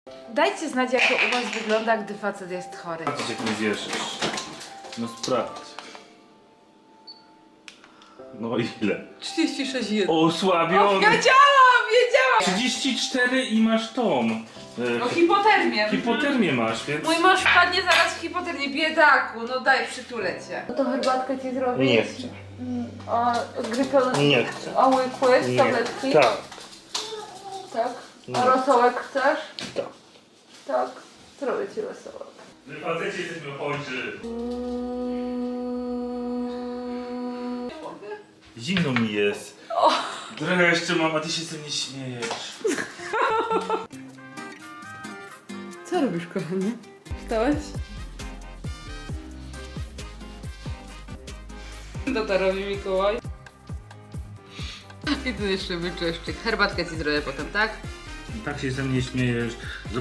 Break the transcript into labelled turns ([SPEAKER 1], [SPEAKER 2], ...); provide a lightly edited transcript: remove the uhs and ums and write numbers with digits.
[SPEAKER 1] Dajcie znać, jak to u was wygląda, gdy facet jest chory.
[SPEAKER 2] Patrz, jak nie wierzysz. No sprawdź. No ile?
[SPEAKER 1] 36,1.
[SPEAKER 2] Osłabiony.
[SPEAKER 1] Wiedziałam!
[SPEAKER 2] 34 i masz tą.
[SPEAKER 1] No hipotermię.
[SPEAKER 2] Hipotermię masz, więc...
[SPEAKER 1] Mój mąż wpadnie zaraz w hipotermię. Biedaku, no daj, przytulę cię. No to herbatkę ci zrobić?
[SPEAKER 2] Nie chcę.
[SPEAKER 1] A grypę?
[SPEAKER 2] Nie chcę.
[SPEAKER 1] A łykłeś tabletki?
[SPEAKER 2] Tak.
[SPEAKER 1] Tak.
[SPEAKER 2] Nie.
[SPEAKER 1] A rosołek chcesz?
[SPEAKER 2] Tak.
[SPEAKER 1] Tak. Zrobię ci rosołek.
[SPEAKER 2] Wy facecie jesteśmy chodźczy. Zimno mi jest. Trochę jeszcze mam, a ty się ze mnie śmiejesz.
[SPEAKER 1] Co robisz, kochanie? Wstałeś? No to robi Mikołaj. I tu jeszcze wyczeszczyk. Herbatkę ci zrobię potem, tak?
[SPEAKER 2] Tak się ze mnie śmiejesz.